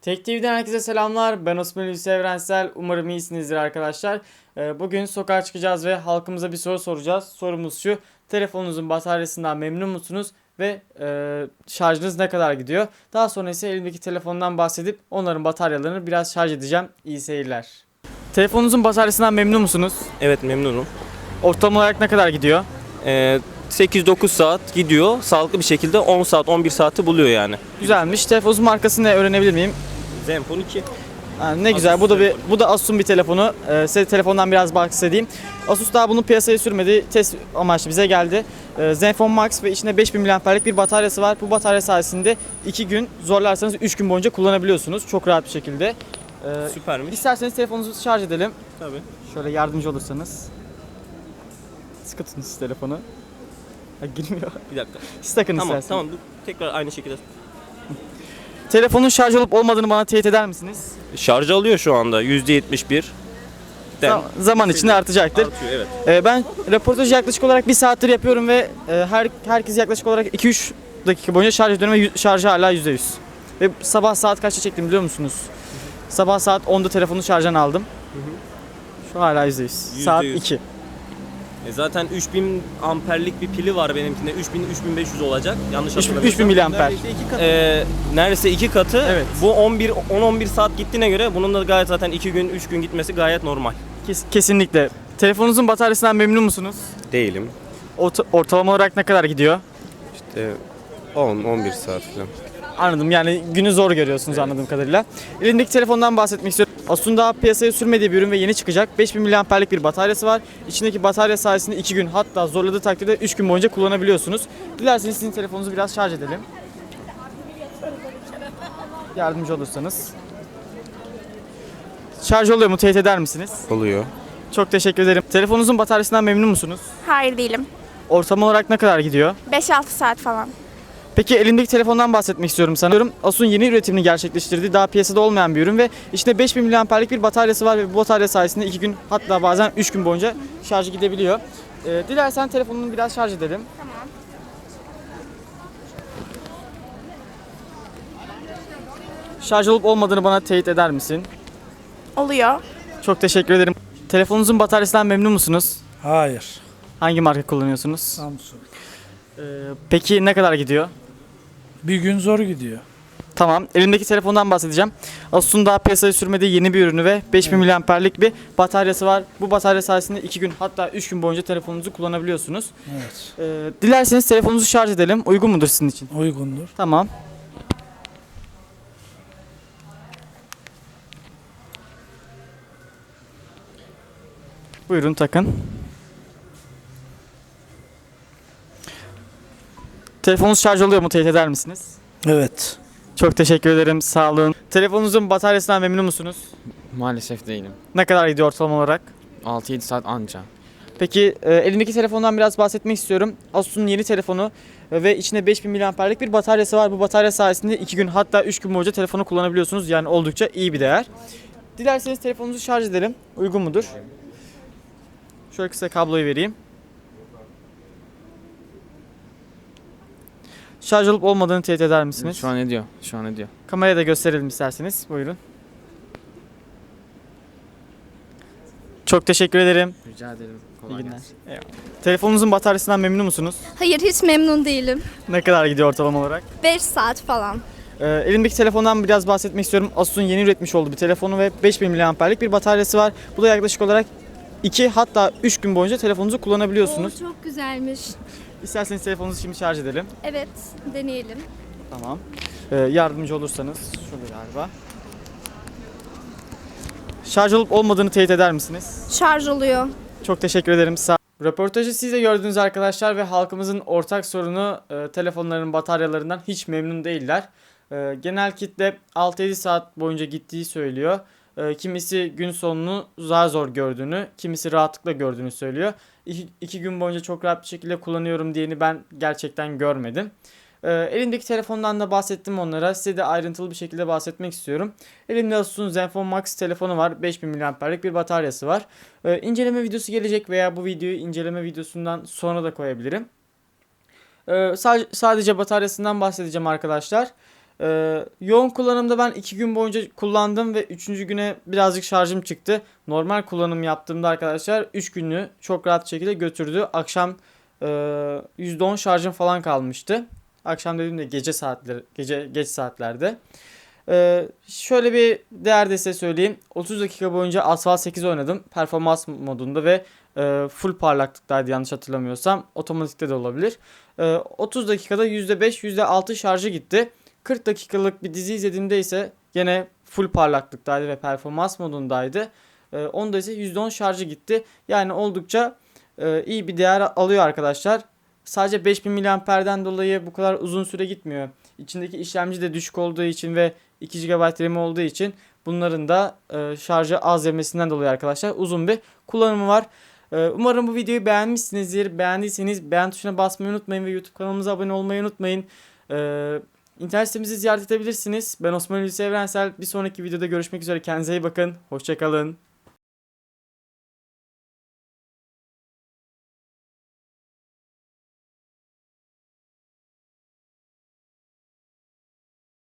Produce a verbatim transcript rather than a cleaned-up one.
Tek T V'den herkese selamlar. Ben Osman Hulusi Evrensel. Umarım iyisinizdir arkadaşlar. Ee, Bugün sokağa çıkacağız ve halkımıza bir soru soracağız. Sorumuz şu: telefonunuzun bataryasından memnun musunuz ve e, şarjınız ne kadar gidiyor? Daha sonra ise elimdeki telefondan bahsedip onların bataryalarını biraz şarj edeceğim. İyi seyirler. Telefonunuzun bataryasından memnun musunuz? Evet, memnunum. Ortalama olarak ne kadar gidiyor? Ee, sekiz dokuz saat gidiyor. Sağlıklı bir şekilde on saat on bir saati buluyor yani. Güzelmiş. Telefonunuzun markasını ne öğrenebilir miyim? Zenfone iki. Ha, ne güzel. Bu da bir bu da Asus'un bir telefonu. Ee, size telefondan biraz bahsedeyim. Asus daha bunu piyasaya sürmedi. Test amaçlı bize geldi. Ee, Zenfone Max ve içinde beş bin miliamperlik bir bataryası var. Bu batarya sayesinde iki gün, zorlarsanız üç gün boyunca kullanabiliyorsunuz. Çok rahat bir şekilde. Ee, Süpermiş. İsterseniz telefonunuzu şarj edelim. Tabii. Şöyle yardımcı olursanız. Sıkı tutun siz telefonu. Ha, girmiyor. Bir dakika. Siz takın Tamam, isterseniz. tamam. Tekrar aynı şekilde. Telefonun şarj olup olmadığını bana teyit eder misiniz? Şarj alıyor şu anda yüzde yetmiş bir. Zam- zaman içinde artacaktır. Artıyor, evet. Ee, ben röportajı yaklaşık olarak bir saattir yapıyorum ve e, her herkes yaklaşık olarak iki üç dakika boyunca şarj ediyorum ve yü- şarjı hala yüzde yüz. Ve sabah saat kaçta çektim biliyor musunuz? Sabah saat onda telefonu şarjdan aldım. Şu hala yüzde yüz. Saat yüz. iki. E zaten üç bin amperlik bir pili var benimkinde. üç bin üç bin beş yüz olacak. Yanlış üç bin hatırlamıyorsam. miliamper. Ee, neredeyse iki katı. Evet. Bu on bir on on bir saat gittiğine göre bunun da gayet zaten iki gün üç gün gitmesi gayet normal. Kes- kesinlikle. Telefonunuzun bataryasından memnun musunuz? Değilim. Orta- ortalama olarak ne kadar gidiyor? İşte on on bir saat falan. Anladım, yani günü zor görüyorsunuz anladığım kadarıyla. Elimdeki telefondan bahsetmek istiyorum. Asus'un daha piyasaya sürmediği bir ürün ve yeni çıkacak. beş bin miliamperlik bir bataryası var. İçindeki batarya sayesinde iki gün, hatta zorladığı takdirde üç gün boyunca kullanabiliyorsunuz. Dilerseniz sizin telefonunuzu biraz şarj edelim. Yardımcı olursanız. Şarj oluyor mu? Teyit eder misiniz? Oluyor. Çok teşekkür ederim. Telefonunuzun bataryasından memnun musunuz? Hayır değilim. Ortalama olarak ne kadar gidiyor? beş altı saat falan. Peki elimdeki telefondan bahsetmek istiyorum sanıyorum. Asus'un yeni üretimini gerçekleştirdiği, daha piyasada olmayan bir ürün ve içinde beş bin miliamperlik bir bataryası var ve bu batarya sayesinde iki gün, hatta bazen üç gün boyunca şarjı gidebiliyor. Ee, dilersen telefonunu biraz şarj edelim. Tamam. Şarj olup olmadığını bana teyit eder misin? Oluyor. Çok teşekkür ederim. Telefonunuzun bataryasından memnun musunuz? Hayır. Hangi marka kullanıyorsunuz? Samsung. Ee, peki ne kadar gidiyor? Bir gün zor gidiyor. Tamam. Elimdeki telefondan bahsedeceğim. Asus'un daha piyasaya sürmediği yeni bir ürünü ve beş bin miliamperlik bir bataryası var. Bu batarya sayesinde iki gün, hatta üç gün boyunca telefonunuzu kullanabiliyorsunuz. Evet. Ee, dilerseniz telefonunuzu şarj edelim. Uygun mudur sizin için? Uygundur. Tamam. Buyurun takın. Telefonunuz şarj oluyor mu? Teyit eder misiniz? Evet. Çok teşekkür ederim. Sağ olun. Telefonunuzun bataryasından memnun musunuz? Maalesef değilim. Ne kadar gidiyor ortalama olarak? altı yedi saat anca. Peki e, elimdeki telefondan biraz bahsetmek istiyorum. Asus'un yeni telefonu e, ve içinde beş bin miliamperlik bir bataryası var. Bu batarya sayesinde iki gün, hatta üç gün boyunca telefonu kullanabiliyorsunuz. Yani oldukça iyi bir değer. Dilerseniz telefonunuzu şarj edelim. Uygun mudur? Şöyle kısa kabloyu vereyim. Şarj olup olmadığını teyit eder misiniz? Şu an ediyor. Şu an ediyor. Kameraya da gösterelim isterseniz. Buyurun. Çok teşekkür ederim. Rica ederim. İyi Kolay günler. gelsin. Eyvallah. Telefonunuzun bataryasından memnun musunuz? Hayır, hiç memnun değilim. Ne kadar gidiyor ortalama olarak? beş saat falan. Ee, elimdeki telefondan biraz bahsetmek istiyorum. Asus'un yeni üretmiş olduğu bir telefonu ve beş bin miliamperlik bir bataryası var. Bu da yaklaşık olarak iki, hatta üç gün boyunca telefonunuzu kullanabiliyorsunuz. Oo, çok güzelmiş. İsterseniz telefonunuzu şimdi şarj edelim. Evet, deneyelim. Tamam. Ee, yardımcı olursanız şurada galiba. Şarj olup olmadığını teyit eder misiniz? Şarj oluyor. Çok teşekkür ederim. Sağ Röportajı siz de gördünüz arkadaşlar ve halkımızın ortak sorunu e, telefonların bataryalarından hiç memnun değiller. E, genel kitle altı yedi saat boyunca gittiği söylüyor. E, kimisi gün sonunu zar zor gördüğünü, kimisi rahatlıkla gördüğünü söylüyor. İki, iki gün boyunca çok rahat bir şekilde kullanıyorum diyeni ben gerçekten görmedim. Ee, elimdeki telefondan da bahsettim onlara. Size de ayrıntılı bir şekilde bahsetmek istiyorum. Elimde Asus'un Zenfone Max telefonu var. beş bin miliamperlik bir bataryası var. Ee, inceleme videosu gelecek veya bu videoyu inceleme videosundan sonra da koyabilirim. Ee, sadece, sadece bataryasından bahsedeceğim arkadaşlar. Ee, yoğun kullanımda ben iki gün boyunca kullandım ve üçüncü güne birazcık şarjım çıktı. Normal kullanım yaptığımda arkadaşlar üç günü çok rahat şekilde götürdü. Akşam e, yüzde on şarjım falan kalmıştı. Akşam dediğimde gece saatleri, gece geç saatlerde. Ee, şöyle bir değer de size söyleyeyim. otuz dakika boyunca Asphalt sekiz oynadım. Performans modunda ve e, full parlaklıktaydı yanlış hatırlamıyorsam. Otomatikte de olabilir. E, otuz dakikada yüzde beş yüzde altı şarjı gitti. kırk dakikalık bir dizi izlediğimde ise gene full parlaklıktaydı ve performans modundaydı. E, onda ise yüzde on şarjı gitti. Yani oldukça e, iyi bir değer alıyor arkadaşlar. Sadece beş bin miliamperden dolayı bu kadar uzun süre gitmiyor. İçindeki işlemci de düşük olduğu için ve iki gigabayt RAM olduğu için bunların da e, şarjı az yemesinden dolayı arkadaşlar uzun bir kullanımı var. E, umarım bu videoyu beğenmişsinizdir. Beğendiyseniz beğen tuşuna basmayı unutmayın ve YouTube kanalımıza abone olmayı unutmayın. E, internet sitemizi ziyaret edebilirsiniz. Ben Osman Hulusi Evrensel. Bir sonraki videoda görüşmek üzere. Kendinize iyi bakın. Hoşçakalın.